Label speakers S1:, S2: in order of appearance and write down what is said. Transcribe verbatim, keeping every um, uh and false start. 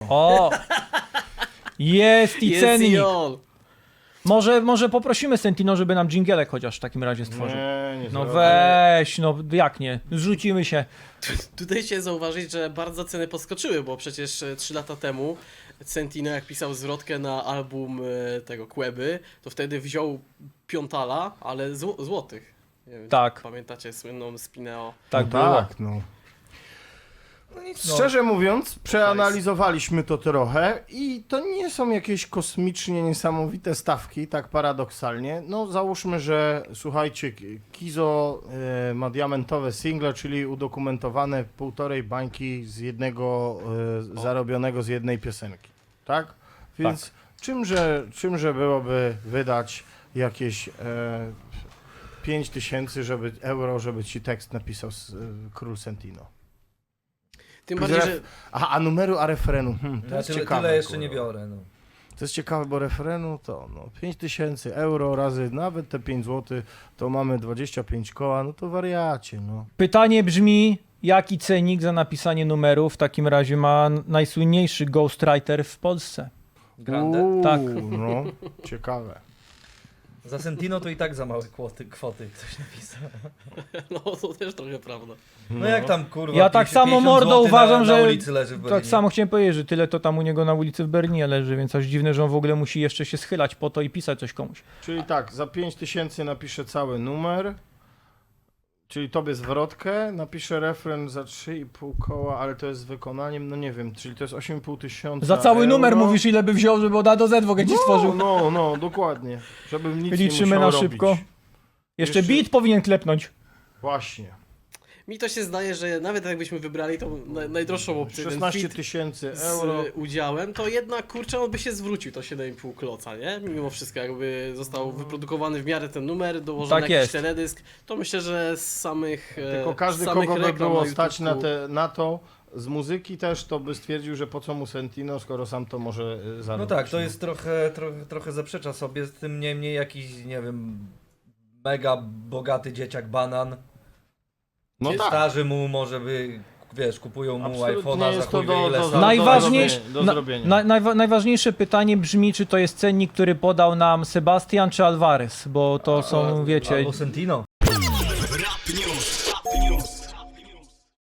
S1: O! Jest i
S2: Jest
S1: cennik.
S2: i on.
S1: Może, może poprosimy Sentino, żeby nam dżingielek chociaż w takim razie stworzył.
S3: Nie, nie
S1: No
S3: zrobię.
S1: weź, no jak nie? Zrzucimy się.
S2: Tutaj się zauważyć, że bardzo ceny podskoczyły, bo przecież e, trzy lata temu Sentino jak pisał zwrotkę na album e, tego Queby, to wtedy wziął piątala, ale zł złotych. Nie wiem,
S1: Tak.
S2: czy pamiętacie słynną Spineo?
S1: Tak
S3: no
S1: było.
S3: tak, no.
S4: No nic, no.
S3: Szczerze mówiąc, przeanalizowaliśmy to trochę i to nie są jakieś kosmicznie niesamowite stawki, tak paradoksalnie. No załóżmy, że słuchajcie, Kizo e, ma diamentowe single, czyli udokumentowane półtorej bańki z jednego, e, zarobionego z jednej piosenki, tak? Więc
S1: Tak.
S3: Czymże, czymże byłoby wydać jakieś e, pięć tysięcy żeby, euro, żeby ci tekst napisał z, e, Król Sentino?
S2: Tym bardziej, że
S3: Aha, a numeru, a refrenu. Hmm, to
S4: Ja
S3: jest
S4: tyle,
S3: ciekawe.
S4: tyle jeszcze
S3: kurwa.
S4: nie biorę. No.
S3: To jest ciekawe, bo refrenu to no, pięć tysięcy euro razy nawet te pięć złotych, to mamy dwadzieścia pięć koła, no to wariacie, no.
S1: Pytanie brzmi, jaki cenik za napisanie numeru w takim razie ma najsłynniejszy ghostwriter w Polsce?
S4: Grande?
S3: Uuu,
S1: Tak.
S3: No, ciekawe.
S4: Za Sentino to i tak za małe kwoty, kwoty ktoś napisał.
S2: no to też trochę prawda.
S4: No jak tam kurwa.
S1: Ja tak
S4: pięćdziesiąt
S1: samo, mordo,
S4: złotych
S1: uważam,
S4: na,
S1: że
S4: na ulicy leży w
S1: Tak
S4: Berlinie.
S1: samo chciałem powiedzieć, że tyle to tam u niego na ulicy w Berlinie leży, więc aż dziwne, że on w ogóle musi jeszcze się schylać po to i pisać coś komuś.
S3: Czyli tak, za pięć tysięcy napiszę cały numer, czyli tobie zwrotkę, napiszę refren za trzy i pół koła, ale to jest z wykonaniem, no nie wiem, czyli to jest osiem i pół tysiąca
S1: Za cały
S3: euro.
S1: numer mówisz, ile by wziął, żeby od A do Z w ogóle ci stworzył.
S3: No, no, dokładnie, żebym nic
S1: Liczymy
S3: nie musiał
S1: na szybko.
S3: robić.
S1: Jeszcze
S3: Jeszcze-
S1: beat powinien klepnąć.
S3: Właśnie.
S2: Mi to się zdaje, że nawet jakbyśmy wybrali tą na, najdroższą opcję, ten
S3: szesnaście
S2: fit
S3: tysięcy
S2: z
S3: euro.
S2: e, udziałem, to jednak kurczę on by się zwrócił to siedem i pół kloca, nie? Mimo wszystko jakby został wyprodukowany w miarę ten numer, dołożony
S1: Tak
S2: jakiś
S1: jest.
S2: teledysk, to myślę, że z samych e,
S3: Tylko każdy,
S2: z samych
S3: kogo by
S2: reklam
S3: było
S2: na
S3: stać na,
S2: YouTube'ku-
S3: te, na to, z muzyki też, to by stwierdził, że po co mu Sentino, skoro sam to może y,
S4: No
S3: zarobić.
S4: tak, to jest trochę, trochę, trochę zaprzecza sobie, z tym niemniej jakiś, nie wiem, mega bogaty dzieciak banan.
S3: No tak.
S4: Starzy mu może by, wiesz, kupują mu
S3: Absolutnie
S4: iPhone'a za
S3: jest to
S4: chuj wie
S3: do-
S4: ile
S3: do-
S4: stać.
S3: do-
S1: Najważniejsze,
S3: do
S1: na,
S3: zrobienia.
S1: na, najwa, najważniejsze pytanie brzmi, czy to jest cennik, który podał nam Sebastian czy Alvarez, bo to są, wiecie,
S4: Albo Sentino.